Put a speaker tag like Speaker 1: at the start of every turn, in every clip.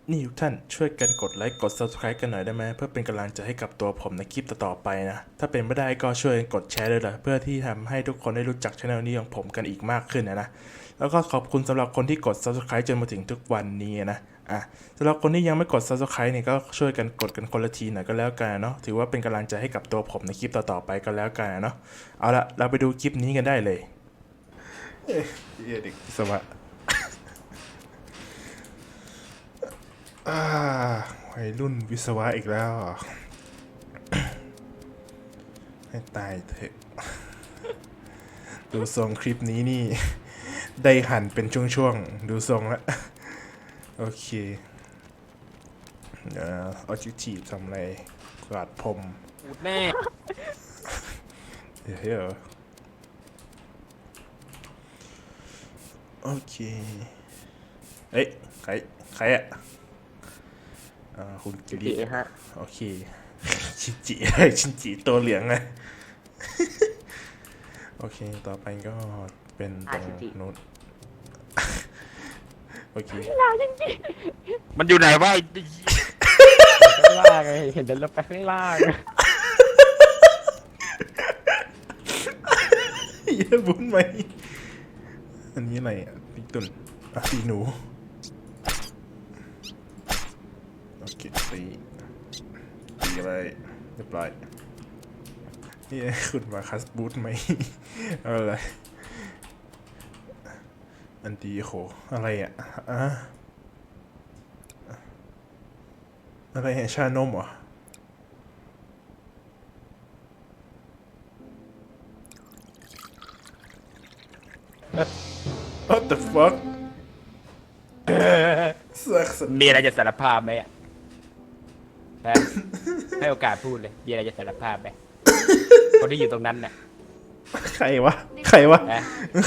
Speaker 1: นี่ทุกท่านช่วยกันกดไลค์กด Subscribe กันหน่อยได้ไหมเพื่อเป็นกำลังใจให้กับตัวผมในคลิปต่อๆไปนะถ้าเป็นไม่ได้ก็ช่วยกดแชร์ด้วยล่ะเพื่อที่ทำให้ทุกคนได้รู้จักช่องนี้ของผมกันอีกมากขึ้นนะแล้วก็ขอบคุณสำหรับคนที่กด Subscribe จนมาถึงทุกวันนี้นะสำหรับคนที่ยังไม่กด Subscribe เนี่ยก็ช่วยกันกดกันคนละทีหน่อยก็แล้วกันเนาะถือว่าเป็นกำลังใจให้กับตัวผมในคลิปต่อๆไปก็แล้วกันเนาะเอาละเราไปดูคลิปนี้กันได้เลยเด็กสวัสดิ์วัยรุ่นวิศวะอีกแล้วให้ตายเถอะดูทรงคลิปนี้นี่ได้หั่นเป็นช่วงๆดูทรงแล้วโอเคเอาจิทีทำอะไรกวาดพรม
Speaker 2: พูดแน่
Speaker 1: เดี๋ยวโอเคเอ้ยใครอะคุณกิริฮะโอเคชินจิตัวเหลืองนะโอเคต่อไปก็เป็นตรงนู้นโอเค
Speaker 2: มันอยู่ไหนวะ
Speaker 3: ข้างล่างไงเห็นเดินลงไปข้างล่าง
Speaker 1: เยอะบุญไหมอันนี้อะไรอ่ะพี่ตุ่นปีหนูโอเคตีอะไรเรียบร้อยนี่คุณมาคัสบูทไหมอะไรอันตีโหอะไรอ่ะอะไรชานมเหรอWhat the fuck
Speaker 2: มีอะไรจะสารภาพไหมให้โอกาสพูดเลยมีอะไรจะสารภาพไหมคนที่อยู่ตรงนั้นน่ะ
Speaker 1: ใครวะใครวะนี่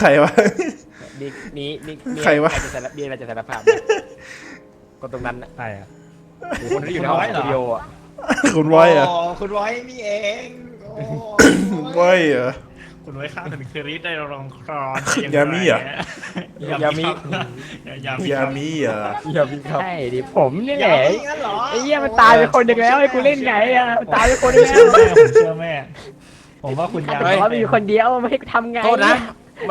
Speaker 1: ใครวะ
Speaker 2: มีอะไรจะสารภาพไหมคนตรงนั้นน่ะ
Speaker 3: ใช่อะ
Speaker 2: คนที่อยู่ในห้องสตูดิโออ่ะ
Speaker 1: คุณไว้อะ
Speaker 4: คุณไว้นี่เอง
Speaker 1: ไว้เหรอ
Speaker 4: คุณไว้ข้างถึงคริสได้รองครอน
Speaker 1: ยามิเหร
Speaker 2: ยามิ
Speaker 1: เหรอ
Speaker 3: ใช่ดิผมนี่แหละไอ้เหี้ยมันตายไปคนหนึ่งแล้วไอ้กูเล่นไงอ่ะมันตายไปคนหนึ่งแล้ว
Speaker 4: ผมเชื่อแม่ผมว่าคุณยามิ
Speaker 3: มีคนเดียวไม่ให้ทำไง
Speaker 2: โทษนะ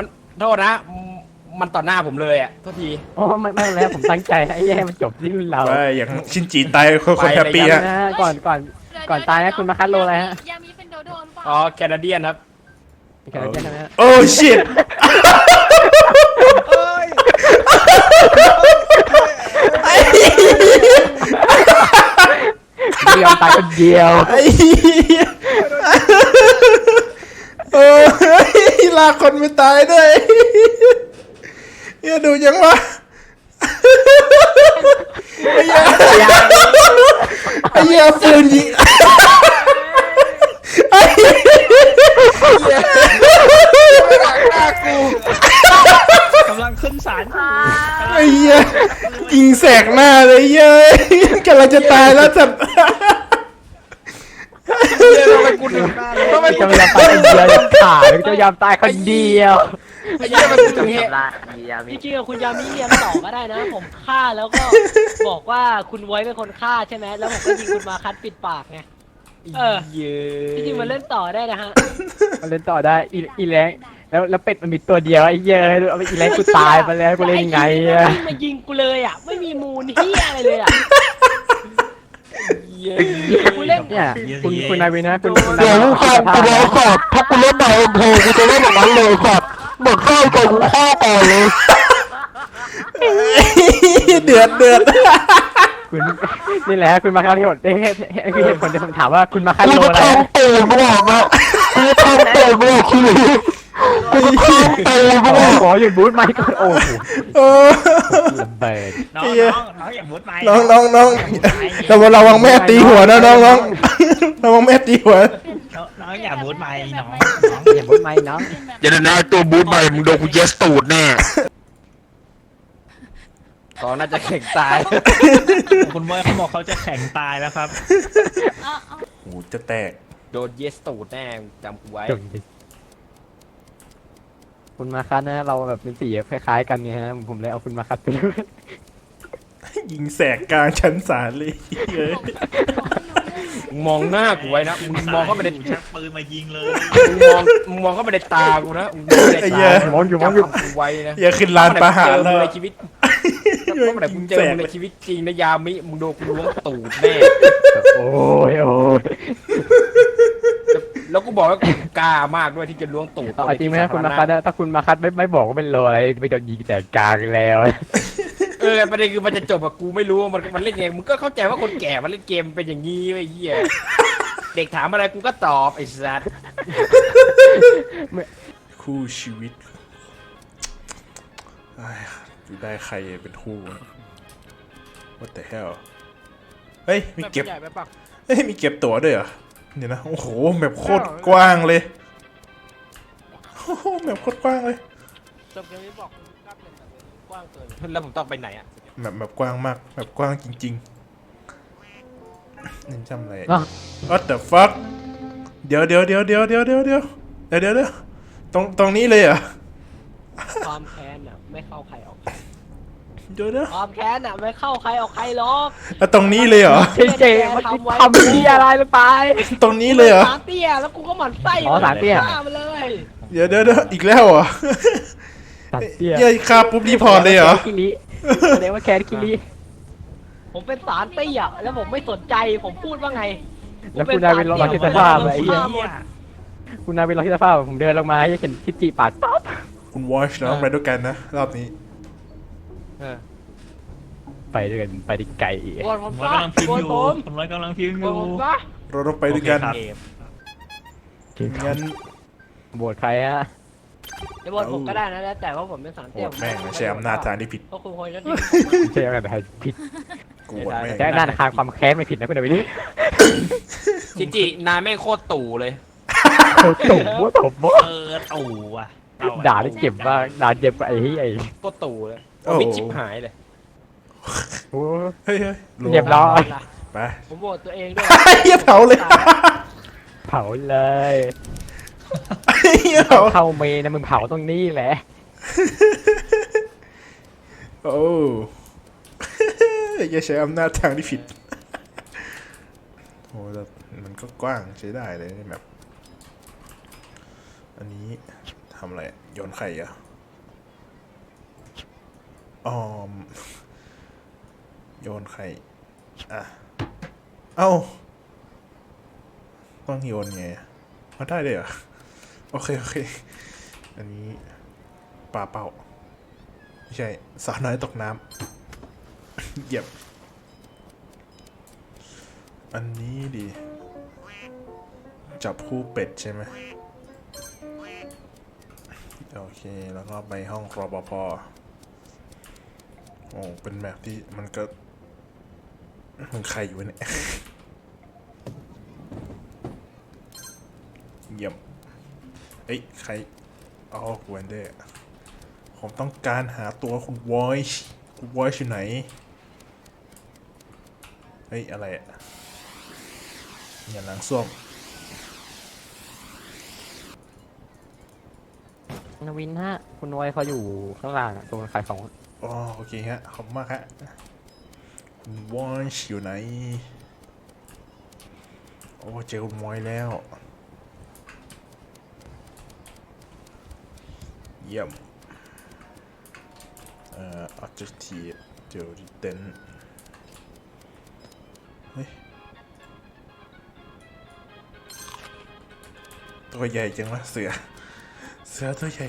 Speaker 2: มันต่อหน้าผมเลยอ่ะโทษที
Speaker 3: โอ้ไม่แล้วผมตั้งใจไอ้เหี้ยมันจบที่เรา
Speaker 1: อย่างชินจิตายคนแฮปปี้ฮะ
Speaker 3: ก่อนตายนะคุณมาคัดโลอะไรฮะ
Speaker 5: ยามีเป็นโดโดนป่ะ
Speaker 2: อ๋อแคนาเดียนครับ
Speaker 1: โอ้ชิต
Speaker 3: ไม่ยอมตายคนเดียว
Speaker 1: โอ้ยลากคนไม่ตายด้วยเนี่ยดูยังวะไอ้เหี้ยปืนยิง
Speaker 4: กำลังขึ้นศาล
Speaker 1: ไอ้เหี้ยยิงแสกหน้าเลยเย้ยกำลังจะตายแล้วจัด
Speaker 2: ทำไมกูถึงทำไมกู
Speaker 3: จะยอมตายคนเดียวจะขาดจะยอมตายคนเดียว
Speaker 2: ไอ้เหี้ยมันตรงนี้
Speaker 5: พี่จริงกับคุณยามีเรียนต่อก็ได้นะผมฆ่าแล้วก็บอกว่าคุณไว้เป็นคนฆ่าใช่ไหมแล้วผมก็ยิงคุณมาคัดปิดปากไงพี่จริงมันเล่นต่อได้นะฮะ
Speaker 3: มันเล่นต่อได้อีแรงแล้วเป็ดมันมีตัวเดียวไอ้เหี้ยเอาไปอีแรงกูตายไปแล้วกูเล่นยังไงอะ
Speaker 5: ไม่มายิงกูเลยอ่ะไม่มีมูลเฮียอะไรเลยอ่ะ
Speaker 3: กูเล่นเนี่ยคุณนายวินะคุณ
Speaker 6: เดี๋ยวฟังกูรอสอบถ้ากูเล่นในเอ็มพีกูจะเล่นอย่างนั้นเลยสอบหมดไส้กับกูฆ่าต่อเลย
Speaker 1: เดือด
Speaker 3: คุณนี่แหละคุณมาคาที่หมดคือเหตุผลที่ผมถามว่าคุณมาคาโลอะไร
Speaker 6: กูจะทำตื่นมึงบอกนะกูจะทำตื่นมึงบอกคือกูจะทำตื่นมึง
Speaker 3: ขอหยุดบูทไมค์ก่อนโอ้โหระเบิด
Speaker 4: น้องอย่ามุดไม้
Speaker 1: น้องระวังแม่ตีหัวนะน้องระวังแม่ตีหัว
Speaker 4: น้องอย่ามุดไม้น้อง
Speaker 3: อย่าบูทไมค์น้อง
Speaker 2: อย่าเดินหน้าตัวบูทใหม่มึงโดนกูเยสตูดแน่ตอนน่าจะแข็งตาย
Speaker 4: คุณเมย์เขาบอกเขาจะแข็งตายแล้วครับ
Speaker 1: โอ้จะแตก
Speaker 2: โดนเยสตูดแน่จำกูไว้
Speaker 3: คุณมาคัสนะเราแบบเป็นสีคล้ายๆกันไงฮะผมเลยเอาคุณมาคัสไปด้วย
Speaker 1: ยิงแสกกลางชั้นศาลเลยเฮ้ย
Speaker 2: มึงมองหน้ากูไว้นะมึงมองเข้าไปใน
Speaker 4: ชักปืนมายิงเลย
Speaker 2: มึงมองเข้าไปในตากูนะมึงมองเข้าไปในตากูจำกูไว้นะ
Speaker 1: อย่าขึ้นลานประหารแล้ว
Speaker 2: ในชีวิตถ้าเมื่อไหร่มึงเจอมึงในชีวิตจริงนะยามิมึงโดนกูล้วงตูดแน่
Speaker 3: โอ้ยโอ้ย
Speaker 2: แล้วกูบอกว่ากูกล้ามากด้วยที่จะล้วงตูด
Speaker 3: เอาจริงไหมคุณมาคัดถ้าคุณมาคัดไม่บอกว่าเป็นโลอะไรไปโดนยิงแต่กลางแล้ว
Speaker 2: ประเด็นคือมันจะจบกับกูไม่รู้ว่ามันเล่นยังไงมึงก็เข้าใจว่าคนแก่มันเล่นเกมเป็นอย่างนี้ไอ้เหี้ยเด็กถามอะไรกูก็ตอบไอ้สัส
Speaker 1: คู่ชีวิตจะได้ใครเป็นคู่ What the hell เฮ้ยมีเก็บ
Speaker 5: ใหญ่ไปปะ
Speaker 1: เฮ้ยมีเก็บตั๋วด้วยเหรอเดี๋ยวนะโอ้โหแบบโคตรกว้างเลยโอ้โหแบบโคตรกว้างเลย
Speaker 5: จบเกมนี้บอกคุณกล้าเป็นแบบกว้างเกิน
Speaker 2: แล้วผมต้องไปไหนอ่ะ
Speaker 1: แบบกว้างมากแบบกว้างจริงๆนี่จำอะไร
Speaker 3: อ่ะ
Speaker 1: What the fuck เดี๋ยวตรงนี้เลยเหรอ
Speaker 5: ความแค้นอ่ะไม่เข้าใครออกใคร
Speaker 1: เดี๋ยว
Speaker 5: ความแค้นอ่ะไม่เข้าใครออกใครหรอก
Speaker 1: แล้วตรงนี้เลยเหรอ
Speaker 3: เจ๊มันทำที่อะไรลงไป
Speaker 1: ตรงนี้เลยเหรอ
Speaker 5: สามเตี้ยแล้วกูก็หมั่นไส้
Speaker 3: อ๋อสามเตี้ย
Speaker 5: ฆ่ามันเลย
Speaker 1: เดี๋ยวอีกแล้วเหรอ
Speaker 3: ตัดเตี้ย
Speaker 1: เย้ยฆ่าปุ๊บรีพอร์ตเลยเหรอ
Speaker 3: คิริแสดงว่าแคทคิริ
Speaker 5: ผมเป็นสารเตี้ยแล้วผมไม่สนใจผมพูดว่าไง
Speaker 3: แล้วคุณนายเป็นรองที่สภาพไอ้เหี้ยคุณนายเป็นรองที่สภาพผมเดินลงมาให้เห็นคิจิปาดป๊อป
Speaker 1: คุณวอชน้องไปด้วยกันนะรอบนี้
Speaker 3: ไปด้วยกันไปดิไก่
Speaker 5: โวนผม
Speaker 4: ผม
Speaker 5: ซะ
Speaker 4: กำลังพิม
Speaker 5: โว
Speaker 4: พ์
Speaker 5: น
Speaker 4: อยู่
Speaker 5: ผม
Speaker 4: ผมกำลังพิมพ์อ
Speaker 5: โวน
Speaker 4: ยู่
Speaker 5: ผมซะ
Speaker 1: เราต้องไปด้วยกัน
Speaker 4: โอเค
Speaker 1: งั้น
Speaker 3: โหวตใครฮะ
Speaker 5: จะโวนผมก็ได้นะแล้วแต่ว่าผมเป็นสาร
Speaker 1: โห
Speaker 5: เตี้
Speaker 1: วย ตแม่งไม่ใช่อำนาจทางที่ผิด
Speaker 5: ก็คุณควรจะ
Speaker 3: ไม่ใช่อะไรผิด
Speaker 1: กูโหวตแม่ง
Speaker 3: แต่ด้านคารความแค้นไม่ผิดนะคุณนายวินี่
Speaker 2: ชิจินายแม่งโคตรตู่เลย
Speaker 3: ตุ่มว่าผมว่า
Speaker 4: ตู่อ่ะ
Speaker 3: ด่าได้เจ็บมากด่าเจ็บกว่าไอ้เหี้ยไอ้
Speaker 2: โคตรตู่เลย
Speaker 1: โอ้
Speaker 2: มิดชิบหายเลย
Speaker 3: โอ้
Speaker 1: เฮ้ยลง
Speaker 3: เรียบร้อย
Speaker 1: ไป
Speaker 5: ผมโหวตตัวเองด้วย
Speaker 1: เฮียเผาเลย
Speaker 3: เผาเลย
Speaker 1: เฮียเผา
Speaker 3: เข้าเมนนะมึงเผาตรงนี้แหละ
Speaker 1: โอ้อย่าใช้อำนาจทางที่ผิดโอ้แต่มันก็กว้างใช้ได้เลยนี่แบบอันนี้ทำอะไรโยนไข่อะโยนไข่อ่ะเอ้าต้องโยนไงมาได้เลยเหรอโอเคอันนี้ปลาเป้าไม่ใช่สาวน้อยตกน้ำ เหยียบอันนี้ดีจับคู่เป็ดใช่ไหมโอเคแล้วก็ไปห้องรปภโอ้เป็นแบบที่มันก็มันใครอยู่เนี่ย เยี่ยมเอ้ยใครอ๋อคุณแวนเดอร์ผมต้องการหาตัวคุณวอยช์อยู่ไหนเฮ้ยอะไรอ่ะอย่าล้างส้วม
Speaker 3: นวินฮะคุณนวยเขาอยู่ข้างล่างตรงขายของ
Speaker 1: อ๋อโอเคฮะขอบคุณมากฮะคุณวอยช์อยู่ไหนโอ้เจอคุณวอยแล้วเยี่ยมobjective เจอริเตนเฮ้ยตัวใหญ่จังวะเสือตัวใหญ่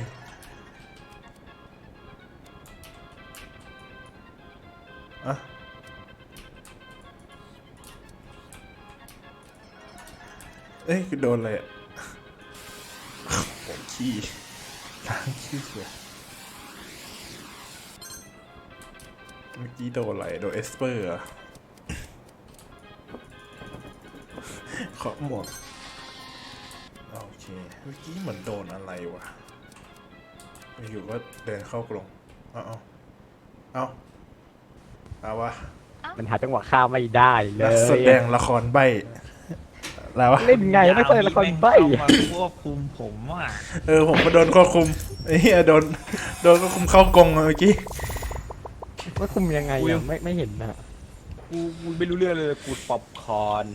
Speaker 1: อะเอ้ยโดนอะไรอ่ะผมขี้ล้างขี้เสือเมื่อกี้โดนอะไรโดนเอสเปอร์อะขอหมวกโอเคเมื่อกี้เหมือนโดนอะไรวะอยู่ก็เดินเข้ากรงเอาวะ
Speaker 3: มันหาจังหวะข้ามไม่ได้เล
Speaker 1: นัก
Speaker 3: ย
Speaker 1: แสดงละครใบแล้ววะ
Speaker 3: เล่นไงไม่เคยละครใบ้
Speaker 4: เอามาควบคุมผมอ่ะ
Speaker 1: ผมก็โดนควบคุมไอ้เหี้ยโดนควบคุมเข้ากรงเมื่อกี้
Speaker 3: ว่าคุมยังไงอ่ะไม่เห็นนะ
Speaker 2: กูไม่รู้เรื่องเลยกูป๊อปคอร์น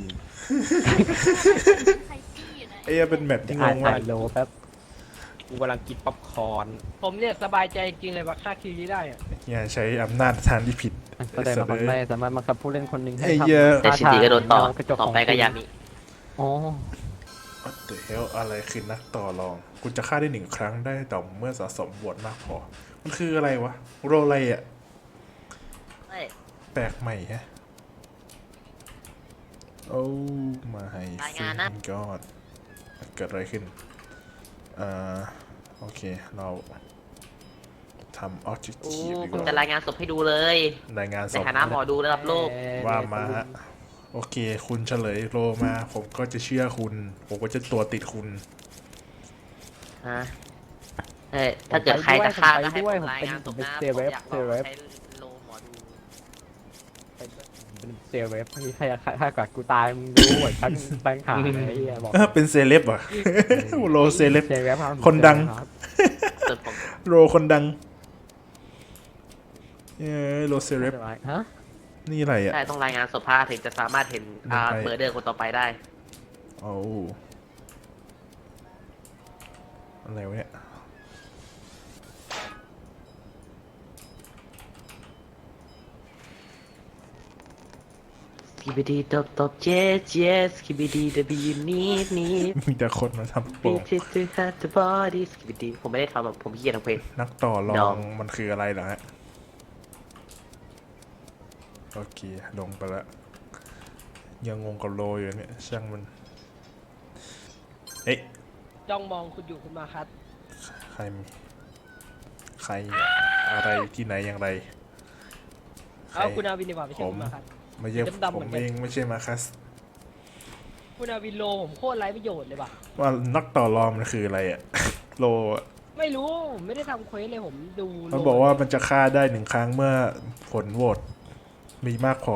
Speaker 7: ใครขี้อยู่นะ
Speaker 1: ไอ้เหี้ยเป็นแมปที่ง
Speaker 3: อ่าน
Speaker 1: งมาก
Speaker 3: โลแป๊บ
Speaker 2: กูกำลังกินป๊อปคอร์น
Speaker 5: ผมเนี่ยสบายใจจริงเลยว่าฆ่าคิวนี้ได้อะ
Speaker 1: อย่าใช้อำนาจทางที่ผิด
Speaker 3: แสดงว่ามันไม่สามารถบังคับผู้เล่นคนหนึ่งให้
Speaker 1: ไอ้
Speaker 3: ทำ
Speaker 1: เหี้ย
Speaker 8: แต่ชินจิก็โดนต่อ
Speaker 3: กระจก
Speaker 8: ต่อ
Speaker 3: ของ
Speaker 8: ไปก็ยามิ
Speaker 3: อ๋อ
Speaker 1: What the hell อะไรคือนักต่อรองคุณจะฆ่าได้1 ครั้งได้ต่อเมื่อสะสมบวชมากพอ มันคืออะไรวะ โรอะไรอ่ะ แปลกใหม่ฮะ โอ้มาให้
Speaker 8: รายงานนะ
Speaker 1: ก็เกิดอะไรขึ้น โอเค เราทำ objective
Speaker 8: โอ้
Speaker 1: ดีก
Speaker 8: ผม
Speaker 1: ว่า
Speaker 8: จะรายงานศพให้ดูเลย
Speaker 1: รายงานศ
Speaker 8: ใน
Speaker 1: พ
Speaker 8: ฐานะหมอดูระดับโลก
Speaker 1: ว่ามาฮะ โอเค คุณเฉลยโรมา ผมก็จะเชื่อคุณ ผมก็จะตัวติดคุณ
Speaker 8: ฮะถ้าเกิดใครจะฆ่าก็ให้ผมรายงานศพนะผมอยากลองใช้โลหมอดู
Speaker 3: เป็นเซลเวฟที่ถ้ากับกูตายมึงรู้หมดทั้งแบงค์หายไอ้เหี้ยบอก
Speaker 1: เป็นเซเลบเหรอ่ะ โรเซเลบ
Speaker 3: เซลเวฟรับ
Speaker 1: คนดัง
Speaker 8: ส่วนผม
Speaker 1: โรคนดังโรเซเลบ
Speaker 3: ฮะ
Speaker 1: นี่อะไรอ่ะ
Speaker 8: ใช่ต้องรายงานศพพาถึงจะสามารถเห็นเมอร์เดอร์คนต่อไปได้
Speaker 1: โอ้อะไรวะเนี่ย
Speaker 8: สกิบดีตบตบเจสเจสสกิบดีดับยูนีดนีด
Speaker 1: มีแต่คนมาทำโปร
Speaker 8: บีทิสฮัตบอดี้สกิบดีผมไม่ได้ทำหรอกผมขี้เกียจทำเพลง
Speaker 1: นักต่อร
Speaker 8: ด
Speaker 1: อ
Speaker 8: อง ง
Speaker 1: มันคืออะไรเหรอฮะ โอเค ลงไปแล้ว ยังงงกับโรอยู่เนี่ย ช่างมัน เอ๊ะ
Speaker 5: จ้องมองคุณอยู่คุณมาคัส
Speaker 1: ใครมีใครอะไรที่ไหนอย่างไรใคร
Speaker 5: เอาคุณอาวินดีกว่าไม่ใช่
Speaker 1: ผม
Speaker 5: คุณมาคัส
Speaker 1: ไม่ใช่
Speaker 5: ดำๆ
Speaker 1: ผ
Speaker 5: เหมื
Speaker 1: ม
Speaker 5: อนกัน
Speaker 1: เองไม่ใช่มาคัส
Speaker 5: คุณอาวินโลผมโคตรไร้ประโยชน์เลยว่ะ
Speaker 1: ว่านักต่อรองมันคืออะไรอะ โลอะ
Speaker 5: ไม่รู้ผมไม่ได้ทำเควสเลยผมดู
Speaker 1: มันบอกว่ามันจะฆ่าได้1 ครั้งเมื่อผลโหวตมีมากพอ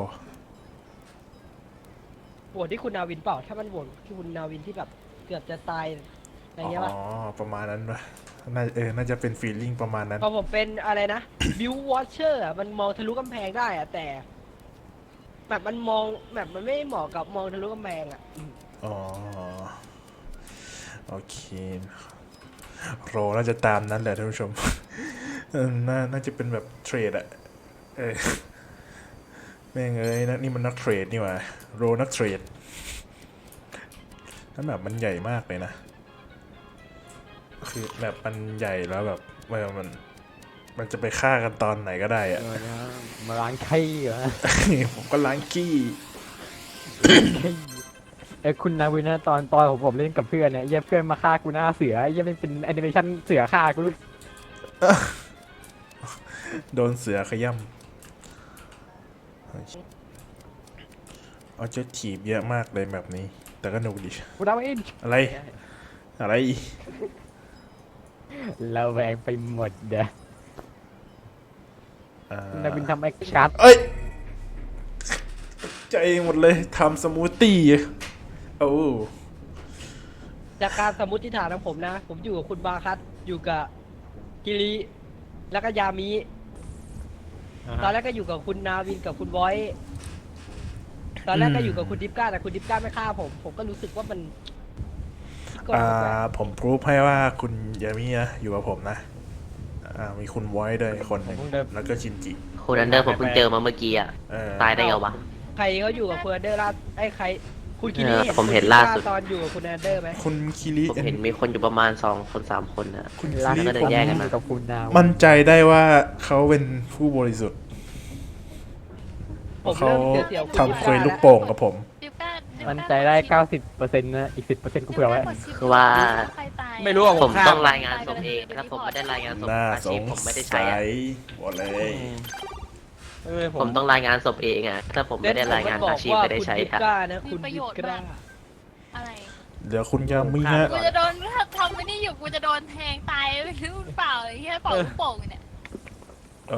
Speaker 5: โหวตที่คุณนาวินเปล่าถ้ามันโหวตที่คุณนาวินที่แบบเกือบจะตายอะไรเงี้ยป่ะ
Speaker 1: อ๋อ ประมาณนั้นปะน่าจะเป็นฟีลลิ่งประมาณนั้น
Speaker 5: พอผมเป็นอะไรนะ บิววอชเชอร์มันมองทะลุกำแพงได้อะแต่แบบมันมองแบบมันไม่เหมาะกับมองทะลุกำแพงอะ
Speaker 1: อ๋อ โอเค โรน่าจะตามนั้นแหละท่านผู้ชม น่าจะเป็นแบบเทรดอะแม่งเอ้ยนี่มันนักเทรดนี่หว่าโรนักเทรดแล้วแบบมันใหญ่มากเลยนะ คือแบบมันใหญ่แล้วแบบมันจะไปฆ่ากันตอนไหนก็ได้อะ
Speaker 3: มาล้างขี้เหรอ
Speaker 1: ผมก็ล้างขี้
Speaker 3: คุณนาวินนะตอนผมเล่นกับเพื่อนเนี่ยเยี่ยเพื่อนมาฆ่ากูหน้าเสือเยี่ยเป็นแอนิเมชันเสือฆ่ากู
Speaker 1: โดนเสือขย่ำเอาเจ้าถีบเยอะมากเลยแบบนี้ แต่ก็หนุกดี
Speaker 3: กูนาวิน
Speaker 1: อะไร อะไร
Speaker 3: เราแวงไปหมดเด้อ
Speaker 1: อ่า
Speaker 3: นาวินทำแอคชั่น
Speaker 1: เอ้ยใจหมดเลยทำสมูทตี้โอ้
Speaker 5: จากการสมมติฐานของผมนะ ผมอยู่กับคุณบาคัสอยู่กับกิริแล้วก็ยามิตอนแรกก็อยู่กับคุณนาวินกับคุณบอยตอนแรกก็อยู่กับคุณดิฟก้าแต่คุณดิฟก้าไม่ฆ่าผมก็รู้สึกว่ามันกดแปลก
Speaker 1: ผมพรูฟให้ว่าคุณยามินะอยู่กับผมนะ มีคุณไว้ด้วยคนหนึ่งแล้วก็ชินจิ
Speaker 8: คุณอันเดอร์ผมเพิ่งเจอมาเมื่อกี้อ่ะ
Speaker 1: เออ
Speaker 8: ตายได้ไงวะ
Speaker 5: ใครเขาอยู่กับคุณแอนเดอร์ล่าไอ้ใครคุณกิริ
Speaker 8: ผมเห็นล่าสุด
Speaker 5: ตอนอยู่กับคุณแอนเดอร์ไหม
Speaker 1: คุณคิริ
Speaker 8: ผมเห็นมีคนอยู่ประมาณ2 คน 3 คนนะ
Speaker 1: คุณ
Speaker 3: รัก
Speaker 1: คิริ
Speaker 8: ก็เลย
Speaker 1: ผม
Speaker 8: แยกกันมา
Speaker 3: กับคุณนาวิน
Speaker 1: มั่นใจได้ว่าเขาเป็นผู้บริสุทธิ์
Speaker 5: ผม
Speaker 1: เขา
Speaker 5: เริ่มเสียวๆคุณ
Speaker 1: ทำเคยลูกโป่งกับผม
Speaker 7: ดิวก้า
Speaker 3: มันใจได้ 90%นะอีก 10%กูเผื่อไว้
Speaker 8: คือว่า
Speaker 7: ใครตาย
Speaker 2: ไม่รู้อะ
Speaker 8: ผม
Speaker 2: ฆ่า
Speaker 8: ต้องรายงานศพเองถ้าผมไม่ได้รายงานศพ
Speaker 1: น่า
Speaker 8: อา
Speaker 1: ส
Speaker 8: ชีพ
Speaker 1: ง
Speaker 8: ผมไม่ได้
Speaker 1: สั
Speaker 8: ใช้อะ
Speaker 1: ยบอกเลย
Speaker 8: ผมต้องรายงานศพเองอ่ะถ้าผมไม่ได้รายงานอาชีพไม่ได้ใช้
Speaker 5: คุณดิฟ
Speaker 8: อะ
Speaker 5: ก้านะคุณดิฟก้า
Speaker 7: อะไร
Speaker 1: เดี๋ยวคุณยามิฮะ
Speaker 7: กูจะโดนถ้าทำไม่ได้อยู่กูจะโดนแทงตายไม่รู้หรือเปล่าไอ้เหี้ยเป่าลูกโป่งอยู่เนี่ย
Speaker 1: โอ้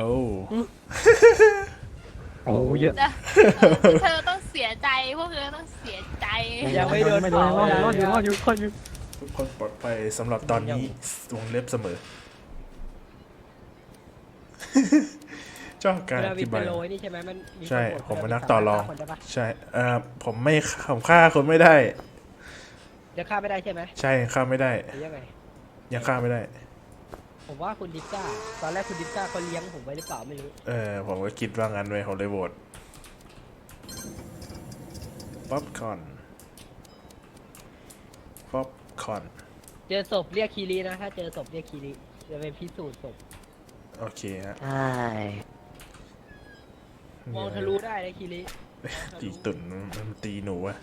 Speaker 3: โอ้เยอะ
Speaker 7: นะเธอต้องเสียใจพวกเธอต้องเสียใจ
Speaker 5: ยังไม่โดน
Speaker 3: ไม่โด
Speaker 5: เผาน
Speaker 3: รอดอยู่รอดอยู่
Speaker 1: ทุกคนปลอดภัยสำหรับตอนนี้วงเล็บเสมอชอบการ
Speaker 5: คุณ
Speaker 1: อ
Speaker 5: นาวิ
Speaker 1: ธิ
Speaker 5: น
Speaker 1: บา
Speaker 5: เป็
Speaker 1: ย
Speaker 5: นโลนี่ใช่ไหมมันมี
Speaker 1: ใช่
Speaker 5: คนโหวต
Speaker 1: ผมเป็น
Speaker 5: คุณ
Speaker 1: นักต่อรอง
Speaker 5: สามารถฆ่าคนได้ปะ
Speaker 1: ใช่ผมฆ่าคนไม่ได้
Speaker 5: เดี๋ยวฆ่าไม่ได้ใช่ไหม
Speaker 1: ใช่ฆ่าไม่ได้
Speaker 5: หรือยังไง
Speaker 1: ยังฆ่าไม่ได้
Speaker 5: ผมว่าคุณดิฟก้าตอนแรกคุณดิฟก้าเขาเลี้ยงผมไว้หรือเปล่าไม่รู้
Speaker 1: ผมก็คิดว่างั้นเลยผมเลยโหวตป๊อปคอร์น
Speaker 5: เจอศพเรียกคีรีนะถ้าเจอศพเรียกคีรีจะไปพิสูจน์ศพ
Speaker 1: โอเคฮะ
Speaker 8: ใช่
Speaker 5: มองทะลุได้เลยคีรี
Speaker 1: ตีตุ่นมันตีหนูอะ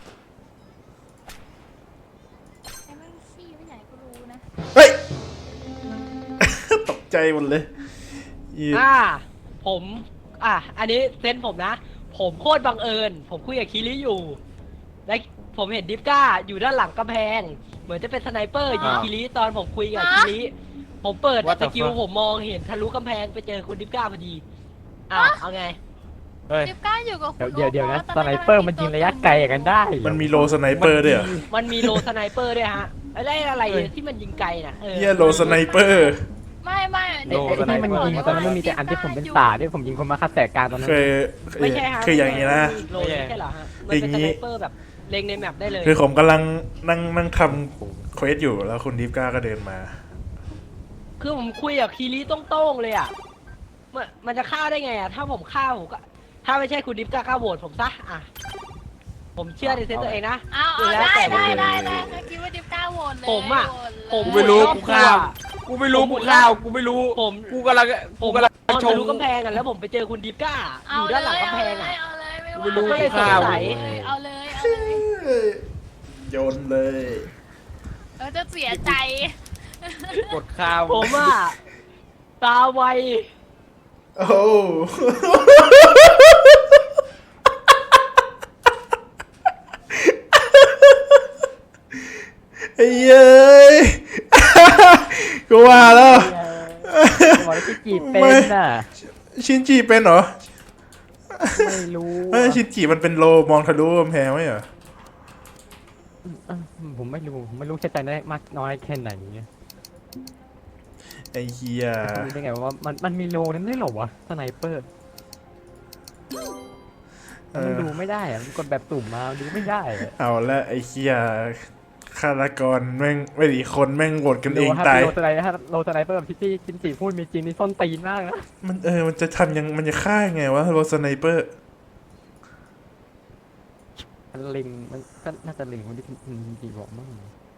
Speaker 7: ไอ้แม่งขี้ไปไหนก็รู้นะ
Speaker 1: เฮ้ย ตกใจหมดเลยอี
Speaker 5: ผมอันนี้เซนส์ผมนะ ผมโคตรบังเอิญผมคุยกับคีรีอยู่และผมเห็นดิฟก้าอยู่ด้านหลังกำแพงเหมือนจะเป็นสไนเปอร์ยิงคีรีตอนผมคุยกับคีรีผมเปิด
Speaker 2: What
Speaker 5: ส
Speaker 2: the
Speaker 5: กิล
Speaker 2: fuck
Speaker 5: ผมมองเห็นทะลุกำแพงไปเจอคุณดิฟก้าพอดีเอาไง
Speaker 2: เฮ้ย
Speaker 7: ดิบก้าอยู่กับคุณ
Speaker 3: เดี๋ยวนะ
Speaker 7: โอ๊ค
Speaker 3: สไนเปอร์มันยิงระยะไกลกันได้เหรอ
Speaker 1: มันมีโลสไนเปอร์ด้วยเหรอ
Speaker 5: มันมีโลสไนเปอร์ด้วยฮะอะไรที่มันยิงไกลน่ะ
Speaker 1: เฮียโลสไนเปอร์
Speaker 7: ไม่
Speaker 3: ไอ้ที่มันยิงตอนนั้นมันมีแต่อันที่ผมเป็นป่าที่ผมยิงคนมาคัดแสกกลารตอนนั้น
Speaker 5: ไม่ใช่ฮะ
Speaker 1: คืออย่างนี้นะ
Speaker 5: โลไม่ใช่เหรอฮะมันเป็น
Speaker 1: อย่าง
Speaker 5: ส
Speaker 1: นี้
Speaker 5: ไนเปอร์แบบเล็งในแมปได้เลย
Speaker 1: คือผมกำลังนั่งทำเควสอยู่แล้วคุณดิฟก้าก็เดินมา
Speaker 5: คือผมคุยกับคีรีโต้งๆเลยอ่ะมันจะฆ่าได้ไงอ่ะถ้าผมฆ่าผมก็ถ้าไม่ใช่คุณดิฟก้าโหวตผมซะผมเชื่อในเซนส์ตัวเองนะ
Speaker 7: เอา
Speaker 5: แล้ว
Speaker 7: ได้
Speaker 5: แต่
Speaker 7: ได้ถ้าคิดว่าดิบก้าโหวตเลย
Speaker 5: ผมอะ
Speaker 7: โหวตเลย
Speaker 5: ผม
Speaker 2: กูไม่รู้
Speaker 5: รอบ
Speaker 2: กูข้าว กูไม่รู้
Speaker 5: ผม
Speaker 2: กูข้าวกูไม่รู้
Speaker 5: ผม
Speaker 2: กูกำลัง
Speaker 5: ผม
Speaker 2: กำลัง
Speaker 5: มอง
Speaker 2: ช
Speaker 5: ทะ
Speaker 2: ม
Speaker 5: ลุกำแพงกันแล้วผมไปเจอคุณดิฟก้าอ
Speaker 7: เอา
Speaker 5: ยู่
Speaker 7: เล
Speaker 5: ด้านหลัง
Speaker 7: ย
Speaker 5: กำแพงอ่ะ
Speaker 7: เอาเลยไม่
Speaker 2: ไม่รู้
Speaker 7: ว่า
Speaker 5: ก็เลยสงสัย
Speaker 7: เอาเลย
Speaker 1: โยนเลย
Speaker 7: เราจะเสียใจ
Speaker 2: กดข้าว
Speaker 5: ผมอ่ะตาไว
Speaker 1: โอ้ ไอ้เย้ย กูว่าแล้ว
Speaker 3: บอกว่าที่จีบเป็นน่ะ
Speaker 1: ชินจิเป็นเหรอ
Speaker 3: ไม่รู้
Speaker 1: ชินจิมันเป็นโลมองทะลุกำแพงไหมเหรอ
Speaker 3: ผมไม่รู้แค่ใจได้มากน้อยแค่ไหนเนี่ย
Speaker 1: ไอ้เฮีย
Speaker 3: รู้ได้ไงว่ามันมีโลนั้นด้วยเหรอวะสไนเปอร์มันดูไม่ได้อะมันกดแบบสุ่มมาดูไม่ได้อะ
Speaker 1: เอาละไอ้เฮียฆาตกรแม่งไม่ดีคนแม่งโหวตกันเอง
Speaker 3: ถ้า
Speaker 1: ตาย
Speaker 3: โลสไนถ้าโลสไนเปอร์แบบที่จินจีพูดมีจริงนี่ส้นตีนมากนะ
Speaker 1: มันจะทำยังมันจะฆ่ายังไงวะโรสไนเปอร์
Speaker 3: มันเล็งมันก็น่าจะเล็งคนที่จินจีบอกมั่ง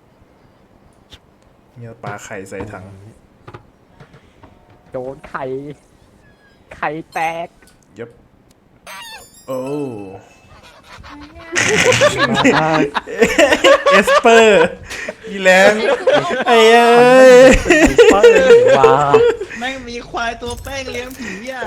Speaker 1: เนี่ยปลาไข่ใส่ถัง
Speaker 3: โดนไข่แตก
Speaker 1: ยับโอ้เอสเปอร์อีแรงไอ้เอ้ย
Speaker 3: เปิ้ลว้า
Speaker 4: แม่งมีควายตัวแป้งเลี้ยงผีอ่ะ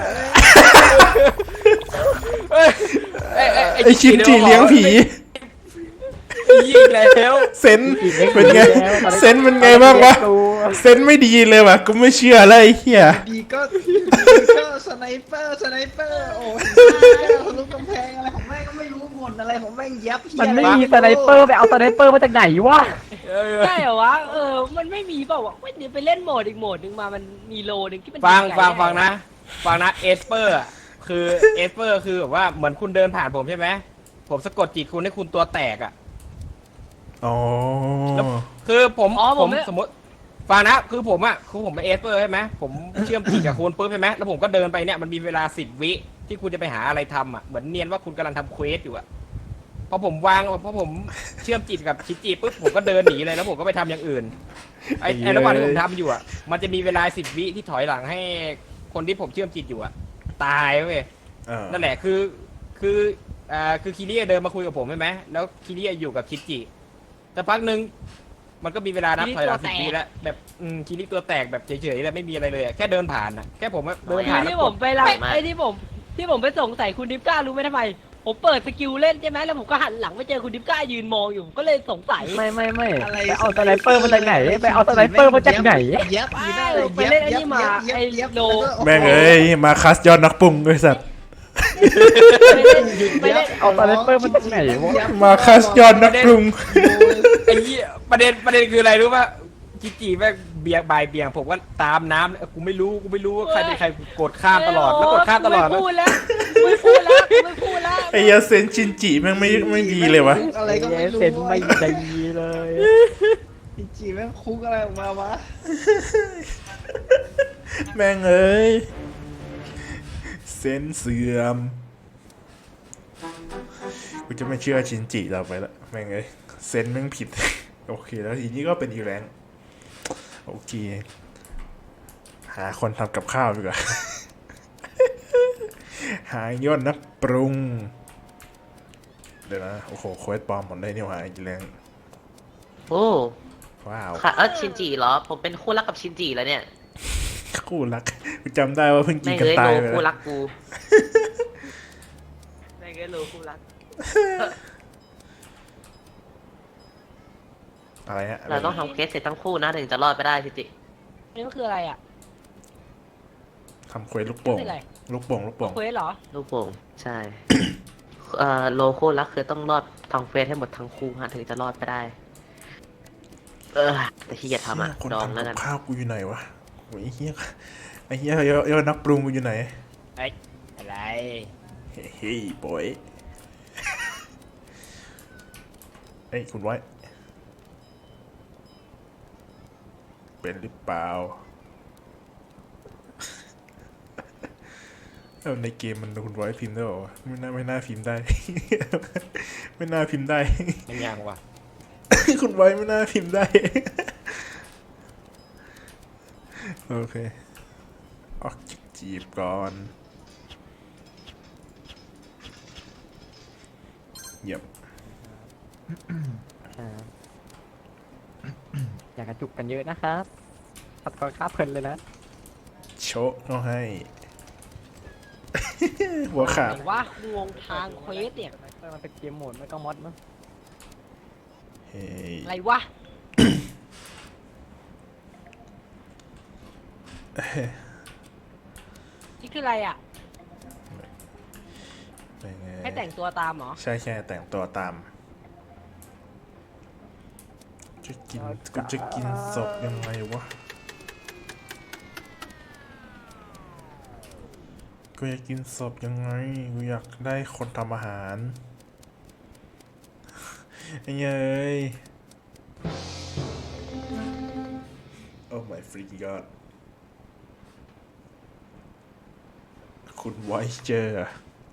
Speaker 1: ไอชินจิเลี้ยงผี
Speaker 2: ยิงแล้ว
Speaker 1: เซนเป็นไงเซนเป็นไงบ้างวะเซนไม่ดีเลยว่ะกูไม่เชื่อเลยไอ้เหี้ย
Speaker 4: ดีก็สไนเปอร์โอ้ยทะลุกำแพงอะไรของแม่งก็ไม่รู้หมดอะไรของแม่งยับ
Speaker 3: มันไม่มีสไนเปอร์ไปเอาสไนเปอร์มาจากไหนวะ
Speaker 5: ใช่เหรอวะมันไม่มีเปล่าวะเดี๋ยวไปเล่นโหมดอีกโหมดหนึ่งมามันมีโลหนึ่งที่มัน
Speaker 2: ฟัง
Speaker 5: ยิไกล
Speaker 2: นะเอสเปอร์คือเอสเปอร์คือแบบว่าเหมือนคุณเดินผ่านผมใช่ไหมผมสะกดจิตคุณให้คุณตัวแตกอ่ะ
Speaker 1: อ๋อ
Speaker 2: คือผมสมมติฟังนะคือผมเป็นเอสเปอร์ใช่ไหมผมเชื่อมจิตกับคุณปุ๊บใช่ไหมแล้วผมก็เดินไปเนี่ยมันมีเวลา10 วิที่คุณจะไปหาอะไรทำอ่ะเหมือนเนียนว่าคุณกำลังทำเควสอยู่อ่ะพอผมเชื่อมจิตกับชิจิปุ๊บผมก็เดินหนีเลยแล้วผมก็ไปทำอย่างอื่นไอ้ระหว่างที่ผมทำอยู่อ่ะมันจะมีเวลา10 วิที่ถอยหลังให้คนที่ผมเชื่อมจิตอยู่อ่ะตายเว้ยนั่นแหละคือคิริเดินมาคุยกับผมใช่ไหมแล้วคิริอยู่กับชิจิแต่พักหนึ่งมันก็มีเวลานับถอยหลัง10 วิแล้วแบบคิริตัวแตกแบบเฉยๆแล้วไม่มีอะไรเลยแค่เดินผ่านอ่ะแค่ผมเดินผ่าน
Speaker 5: ที่ผมไปรับที่ผมไปสงสัยคุณดิฟก้ารู้ไหมทำไมผมเปิดสกิลเล่นใช่ไหมแล้วผมก็หันหลังไปเจอคุณดิฟก้ายืนมองอยู่ก็เลยสงสัย
Speaker 3: ไม่ไปเอาสไนเปอร์มาจากไหนไปเอาสไนเปอร์มาจากไหน
Speaker 4: ยับผีได้
Speaker 5: ไปเล่นไอ้นี่มาไอ้โล
Speaker 1: แม่งเอ้ยมาคัสยอดนักปรุงไอ้สัตว์
Speaker 5: ไปเล่น
Speaker 3: เอาสไนเปอร์มาจากไหนวะ
Speaker 1: มาคัสยอดนักปรุง
Speaker 2: ไอ้เหี้ยประเด็นคืออะไรรู้ป่ะจิจิแม่งเบียงบ่ายเบียงผมก็ตามน้ำกูไม่รู้ว่าใครเป็นใครกูกดข้ามตลอดแล้วกดข้ามตลอด
Speaker 5: ไม่พูดแล้วไม่พูดแล้ว
Speaker 1: ไอ้เหี้ยเซนชินจิแม่งไม่ดีเลยวะ
Speaker 4: คุกอะไรก็ไม่รู้
Speaker 3: เซนไม่ดีเลย
Speaker 4: จีแม่งคุกอะไรออกมาวะ
Speaker 1: แม่งเอ้ยเซนเสื่อมกูจะไม่เชื่อชินจิเราไปละแม่งเอ้ยเซนแม่งผิด โอเคแล้วทีนี้ก็เป็นอีแรงโอเคหาคนทำกับข้าวดีกว่า หายอดนักปรุงเดี๋ยวนะโอ้โหโค้ดปลอมหมดเลยนี่หว่าอีแรง
Speaker 8: โอ้
Speaker 1: ว้าว
Speaker 8: ค่ะชินจิเหรอผมเป็นคู่รักกับชินจิแล้วเนี่ย
Speaker 1: คู่รักกูจำได้ว่าเพิ่งกิ
Speaker 8: ไม่
Speaker 1: นกัน
Speaker 8: เอ้ย
Speaker 1: ตา
Speaker 8: โล
Speaker 1: ยไป
Speaker 8: คู่
Speaker 1: แล้ว
Speaker 8: รักกูไม่เอ้ยโลคู่รัก
Speaker 1: อะไรฮะ
Speaker 8: เราต้องทำเควสเสร็จทั้งคู่นะถึงจะรอดไปได้ชินจิ
Speaker 5: นี่มันคืออะไรอ่ะ
Speaker 1: ทำเควสลูกโป่ง
Speaker 5: ไม่เป็นไร
Speaker 1: ลูกโป่ง
Speaker 5: เควสเหรอ
Speaker 8: ลูกโป่งใช่ โลคู่รักคือต้องรอดทำเควสให้หมดทั้งคู่ฮะถึงจะรอดไปได้แต่ที่จะทำอ่ะ
Speaker 1: คน
Speaker 8: ดอง
Speaker 1: ทำ
Speaker 8: แล้ว
Speaker 1: กั
Speaker 8: กับ น
Speaker 1: ข้าวกูอยู่ไหนวะโอ้ยไอ้เหี้ยยอดนักปรุงกูอยู่ไหน
Speaker 2: อะไร
Speaker 1: เฮ้ยบอยเอ้ยคุณไว้เป็นหรือเปล่า เอาในเกมมันคุณไว้พิมพ์ได้หรอวะไม่น่าพิมพ์ได้ ไม่น่าพิมพ์ได้
Speaker 2: มันยังวะ
Speaker 1: คุณไว้ไม่น่าพิมพ์ได้ โอเคออกจีบก่อนเยี่ยม
Speaker 3: อยากกระจุกกันเยอะนะครับตัดก่อนข้าเพลินเลยนะ
Speaker 1: โชะเขาให้ หัวขาด
Speaker 5: ไหนว่างงทางเควสเนี่ย
Speaker 3: มันเป็นเกมโหมดไม่ก็มอดมั้ง
Speaker 1: เฮ้ย
Speaker 5: อะไรวะ นี่คืออะไรอ่ะ
Speaker 1: เป็นไง
Speaker 5: ให้แต่งตัวตามเหรอ
Speaker 1: ใช่แต่งตัวตามกูจะกินศพยังไงวะกูอยากกินศพยังไงกูอยากได้คนทำอาหารไอ้เย้ยโอ้ my freaking god คุณไวเจอร์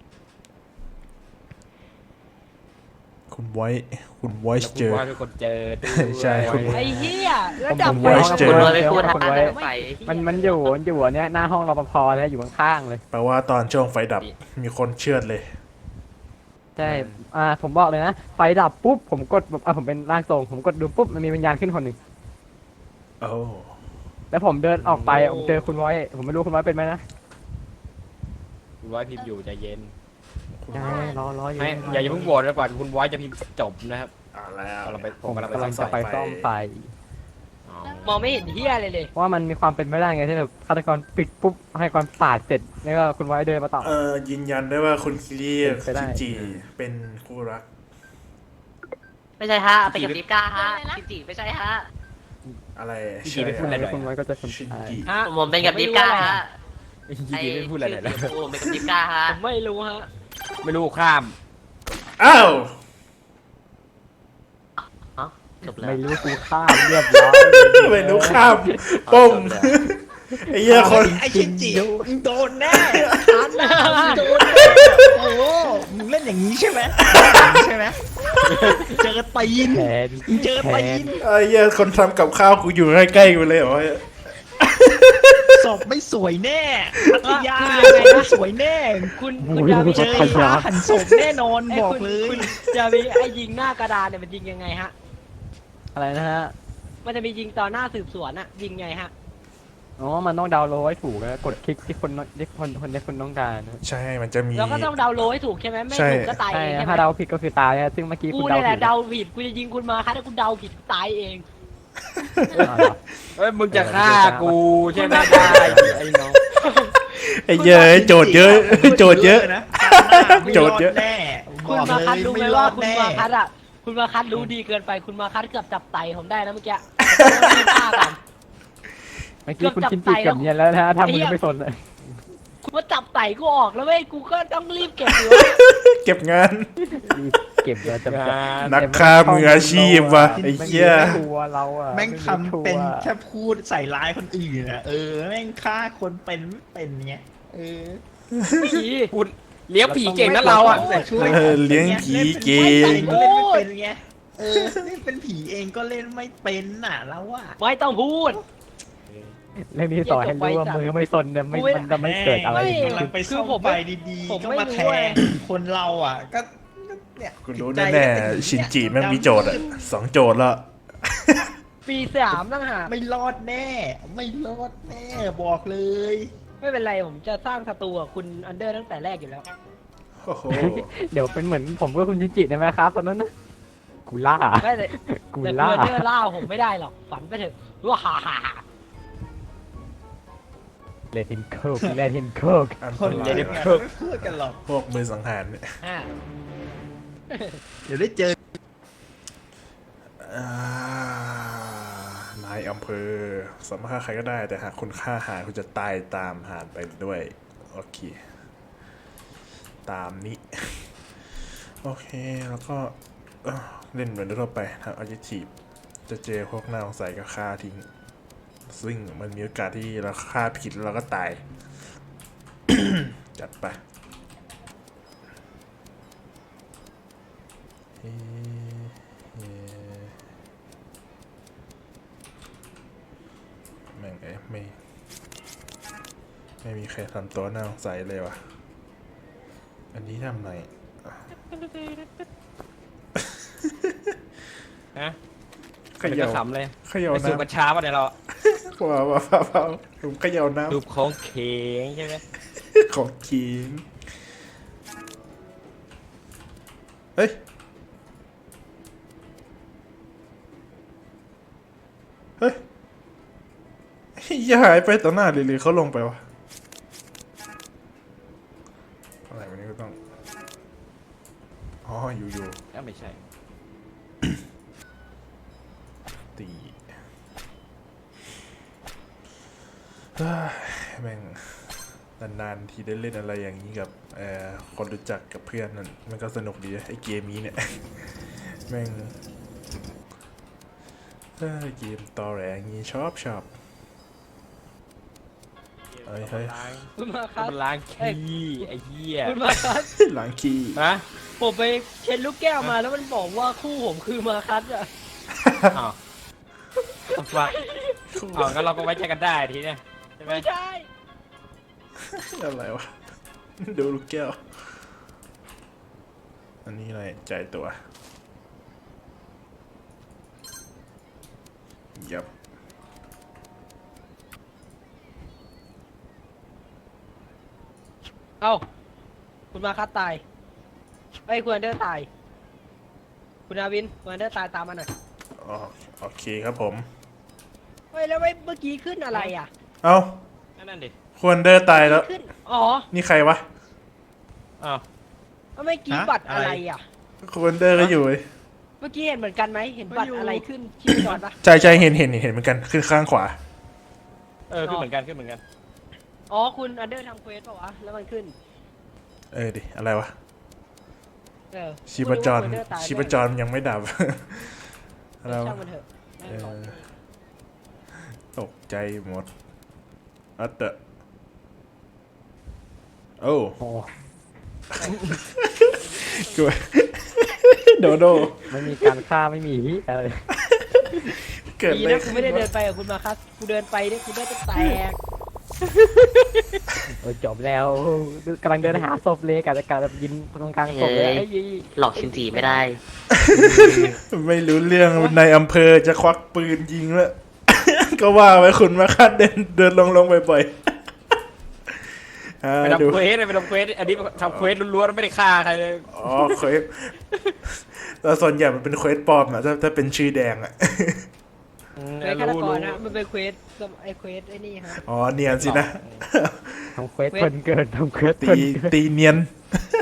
Speaker 1: คุณไวเจอร์
Speaker 2: ว่าทุกคนเจอด้วย
Speaker 1: ใช่คุณ
Speaker 5: ไอ้เหี้ยแล้วดับ
Speaker 1: ผม
Speaker 5: ไฟ
Speaker 1: ไว้เจอ
Speaker 8: คุณไม่พูด
Speaker 3: คน
Speaker 8: ฮะ
Speaker 3: ไว้
Speaker 8: ไฟ
Speaker 3: มันอยู่อันเนี้ยหน้าห้องรปภแล้วอยู่ข้างๆเลย
Speaker 1: แปลว่าตอนช่วงไฟดับมีคนเชือดเลย
Speaker 3: ใช่ ผมบอกเลยนะ ไฟดับปุ๊บ ผมกดแบบผมเป็นร่างทรง ผมกดดูปุ๊บ มันมีวิญญาณขึ้นคนหนึ่ง
Speaker 1: โอ้
Speaker 3: แล้วผมเดินออกไปผมเจอคุณไว้ ผมไม่รู้คุณไว้เป็นไหมนะ
Speaker 2: คุณไว้พิมพ์อยู่ใจเย็น
Speaker 3: ใช่รออยู่
Speaker 2: ไม่อย่าเพิ่งโหวตนะก่อนคุณไว้จะพิมพ์จบนะครับ
Speaker 1: เอาแล้ว
Speaker 2: เราไปผ
Speaker 3: ผม ม
Speaker 2: กำลัง
Speaker 3: กำลัง
Speaker 2: ไป
Speaker 3: จะไปซ่อมไฟ
Speaker 2: อ๋อ
Speaker 5: มองไม่เห็นเหี้ยอะไรเลย
Speaker 3: เพราะว่ามันมีความเป็นไม่ได้ไงที่แบบฆาตกรปิดปุ๊บ ให้ความปาดเสร็จ แล้วก็คุณไว้เดินมาต่อ
Speaker 1: ยืนยันได้ว่าคุณคิริ
Speaker 3: เป็นไปได้
Speaker 1: คิจิเป็นคู่รัก
Speaker 8: ไม่ใช่ฮะไปกับดิฟก้าฮะชินจิไม่ใช่ฮะ
Speaker 1: อะไร
Speaker 2: พี่จีไม่พูดอะไรเลย
Speaker 3: คุณไว้ก็จะคน
Speaker 1: ชิน
Speaker 3: ตาย
Speaker 1: จิ
Speaker 5: ฮะ
Speaker 8: ผมเป็นกับดิฟก้าฮะ
Speaker 2: พี่จีไม่พูดอะไรเลยนะ
Speaker 8: ผมเป็นกับดิฟก้าฮะ
Speaker 5: ผมไม่รู้ฮะ
Speaker 2: ไม่รู้ข้าม
Speaker 1: อ้าว
Speaker 8: จบแล้ว
Speaker 3: ไม่รู้กูฆ่าเรียบร้อย
Speaker 1: ไม่รู้ข้ามป้มไอ้เหี้ยคน
Speaker 4: ไอ้ชินจิมึงโดนแน่อันน่ะมึงโดนแน่โอ้โหมึงเล่นอย่างนี้ใช่ไหมใช่ไหมเจอตีน
Speaker 3: แผน
Speaker 4: มึงเจอตีน
Speaker 1: ไอ้เหี้ยคนทำกับข้าวกูอยู่ใกล้ๆกูเลยเหรอ
Speaker 4: ศพไม่สวยแน่พัทยาไม่สวยแน่
Speaker 5: คุณ
Speaker 3: โอ้
Speaker 5: คุณ
Speaker 3: ย
Speaker 5: ดาวิ
Speaker 4: เจอ
Speaker 3: พัทยา
Speaker 4: หันศพแน่นอน
Speaker 5: ไอ้
Speaker 4: บอก
Speaker 5: คุณ
Speaker 4: เลย
Speaker 5: คุณดาวิไอ้ยิงหน้ากระดานเนี่ยมันยิงยังไงฮะ
Speaker 3: อะไรนะฮะ
Speaker 5: มันจะมียิงต่อหน้าสืบสวนอะยิงไงฮะ
Speaker 3: อ๋อ มันต้องดาวน์โหลดให้ถูกนะกดคลิกที่คนต้องการนะ
Speaker 1: ใช่มันจะมี
Speaker 5: แล้วก็ต้องเดาโลให้ถูกใช่ไหมไม่
Speaker 1: ใช่
Speaker 5: ถูกก็ตาย
Speaker 3: ใช่
Speaker 5: เองใช่ไหม
Speaker 3: ถ้าเดาผิดก็คือตายนะซึ่งเมื่อกี้
Speaker 5: กู
Speaker 3: คุณ
Speaker 5: นี่
Speaker 3: เดา
Speaker 5: แห
Speaker 3: ผิ
Speaker 5: ละ
Speaker 3: ด
Speaker 5: เดาผิดกูจะยิงคุณมาค่ะถ้าคุณเดาผิดตายเอง
Speaker 3: อ๋อเหรอ
Speaker 2: เฮ้ยมึงจะฆ่ากูใช่ไหมได้ไอ้น้อง
Speaker 1: ไอ้เหี้ยโจทย์เยอะโจทย์เยอะ
Speaker 4: นะ
Speaker 1: โจทย์เยอะ
Speaker 4: แน่
Speaker 5: คุณมาคัดรู้ไหมว่าคุณมาคัดอะคุณมาคัดรู้ดีเกินไปคุณมาคัดเกือบจับไตผมได้นะเมื่อกี้ผมต้องรีบฆ่าก่อน
Speaker 3: มื่อกี้คุณชินจิเกือบเนียนแล้วนะถ้ามึงไม่สนเลย
Speaker 5: กูมาจับไต่กูออกแล้วเว้ยกูก็ต้องรีบเก็บอยู่
Speaker 1: เก็บงาน
Speaker 3: เก็บแล้วจะ
Speaker 1: นักฆ่ามืออาชีพว่ะไอ้เหี้ย
Speaker 3: ทัวเราอะ
Speaker 4: แม่งทำเป็นแค่พูดใส่ร้ายคนอื่นอะแม่งฆ่าคนเป็นไม่เป็นเงี้ย
Speaker 5: ผี
Speaker 2: คุณเลี้ยงผีเก่งนะเราอ่ะ
Speaker 4: แต่ช่วย
Speaker 1: เลี้ยงผีเก่
Speaker 4: ไม่ใส่
Speaker 1: ง
Speaker 4: ก็เล่นไม่เป็นไงเล่นเป็นผีเองก็เล่นไม่เป็นน่ะแล้วอะ
Speaker 5: ไม่ต้องพูด
Speaker 3: เรื่องนี้ต่อให้รู้ว่ามือไม่สนเนี่ยมันจะไม่เกิดอะไร
Speaker 5: ไม่
Speaker 4: กำลังไปซ่อมไฟดี
Speaker 5: ผม
Speaker 4: ๆก็
Speaker 5: ไม่
Speaker 4: มา
Speaker 5: รู้
Speaker 4: แท
Speaker 5: เว้ย
Speaker 4: งคนเราอ่ะก็เนี่ย
Speaker 1: คุณรู้แน่ๆชินจิแม่งมีโจทย์อ่ะ2 โจทย์แล้ว
Speaker 5: ปี3ตั้งหาก
Speaker 4: ไม่รอดแน่ ไม่รอดแน่บอกเลย
Speaker 5: ไม่เป็นไรผมจะสร้างศัตรูกับคุณอันเดอร์ตั้งแต่แรกอยู่แล้ว
Speaker 1: โอ้โห
Speaker 3: เดี๋ยวเป็นเหมือนผมกับคุณชินจิได้ไหมครับตอนนั้นนะกูล่า
Speaker 5: ไม่แต่
Speaker 3: กู
Speaker 5: แต่
Speaker 3: ล่า
Speaker 5: คุณอันเดอร์ล่าผมไม่ได้หรอกฝันไปเถอะว่าฮ่าฮ่า
Speaker 3: เลทินโคกเลทินโคก
Speaker 1: อัน
Speaker 4: คน
Speaker 1: ต
Speaker 4: เจ๋
Speaker 1: ราง ย
Speaker 4: ไม่พูดกันหรอก
Speaker 1: พวกมือสังหารเนี่ย
Speaker 5: อ่า
Speaker 4: เดี๋ยวได้เจอ
Speaker 1: นายอำเภอสามารถฆ่าใครก็ได้แต่หากคุณฆ่าหารคุณจะตายตามหารไปด้วยโอเคตามนี้โอเคแล้วก็เล่นเหมือนทั่วไปทำ adjective จะเจอพวกหน้าสงสัยก็ฆ่าทิ้งซึ่งมันมีโอกาสที่เราฆ่าผิดแล้วเราก็ตาย จัดไปแม่งไม่มีใครทำตัวน่าสงสัยเลยวะอันนี้ทำไร
Speaker 2: ฮะ
Speaker 1: เข
Speaker 2: เป็น
Speaker 1: ย่า
Speaker 2: ขำเลย
Speaker 1: เขย่า
Speaker 2: ไปสูบกัญ
Speaker 1: น้ำ
Speaker 2: ชาป่ะเนี่ยเรา
Speaker 1: ว้าวผมเขย่าน้
Speaker 2: สูบของเข็งใช่ไหม
Speaker 1: ำของกินเฮ้ยเฮ้ยอย่าหายไปต่อหน้าเลยเขาลงไปวะอะไรวันนี้ก็ต้องอ๋ออยู่
Speaker 2: ไม่ใช่
Speaker 1: ตีเฮ้ยแม่งนานๆทีได้เล่นอะไรอย่างนี้กับคนรู้จักกับเพื่อนนั่นมันก็สนุกดีไอ้เกมนี้เนี่ย แม่งเกมตอแหลอย่างนี้ชอบเฮ้ย
Speaker 5: คุณมาครับ
Speaker 2: มันล้างขี้ไอ้เหี้ย
Speaker 5: คุณมาครับ
Speaker 1: หลังคีย์
Speaker 2: ฮะ
Speaker 5: ผมไปเช็ดลูกแก้วมาแล้วมันบอกว่าคู่ผมคือมาคัสอะ
Speaker 2: อ้าวฟังอ๋องั้นเราก็ไว้ใจกันได้ทีเนี้ยใช่ไหม
Speaker 5: ไม่ใช่
Speaker 1: อะไรวะ ดูลูกแก้ว อันนี้อะไรจ่ายตัวยับ
Speaker 5: เอ้าคุณมาคัสตายไอ้ยคุณอันเดอร์ตาย คุณอาวินคุณอันเดอร์ตายตามมาหน่อย
Speaker 1: อ๋อโอเคครับผม
Speaker 5: เฮ้ยแล้วเมื่อกี้ขึ้นอะไรอ่ะ
Speaker 1: เอ้า
Speaker 2: นั่นดิ
Speaker 1: ควรเดินตายแล้ว
Speaker 5: ขึ้นอ๋อ
Speaker 1: นี่ใครวะ
Speaker 2: อ้าว
Speaker 5: เมื่อกี้บัตรอะไรอ่ะ
Speaker 1: ควรเดินก็อยู่เว้ย
Speaker 5: เมื่อกี้เห็นเหมือนกันไหมเห็นบัตรอะไรขึ้นที่จอดปะ
Speaker 1: ใจเห็นเหมือนกันขึ้นข้างขวา
Speaker 2: ขึ้นเหมือนกันขึ้นเหมือนกัน
Speaker 5: อ๋อคุณอันเดอร์ทำเควสป่าวะแล้วมันขึ้น
Speaker 1: ดิอะไรวะ
Speaker 5: เออ
Speaker 1: ชีพจร
Speaker 5: คุณอันเดอตาย
Speaker 1: ชีพจรมันยังไม่ดับ อะไร
Speaker 5: ช่าง
Speaker 1: วะ
Speaker 5: มันเถอะแม่งบอก
Speaker 1: ตกใจหมดอัตเตอโอ้
Speaker 3: โอ้
Speaker 1: กู โดโด
Speaker 3: ไม่มีการฆ่าไม่มีอะไร
Speaker 1: เกิด
Speaker 5: ดี
Speaker 1: อะไร
Speaker 5: นะกูไม่ได้เดินไปกับคุณมาคัสกูเดินไปเนี่ยกูได้จะแตก
Speaker 3: จบแล้วกำลังเดินหาศพเลยกับการยินตรงกลางศพเลย
Speaker 8: หลอกชินจีไม่ได้
Speaker 1: ไม่รู้เรื่องในอำเภอจะควักปืนยิงแล้ว ก็ว่าไว้คุณมาคาดเดินลงบ่อยๆ
Speaker 2: ไป
Speaker 1: ดู
Speaker 2: ทำเควสไปทำเควสอันนี้ทำเควสล้วนๆไม่ได้ฆ่าใครเลย
Speaker 1: อ๋อเควสแต่ส่วนใหญ่มันเป็นเควสปลอมอะถ้าเป็นชื่อแดงอะ
Speaker 5: เควสฆาตกรนะมันเป็นเควสไอเควสไอ้นี่ฮะ
Speaker 1: อ๋อเนียนสินะ
Speaker 3: ทำเควสเพลินเกินทำเควสเพ
Speaker 1: ตี
Speaker 3: ลินเกิน
Speaker 1: ตีเนียน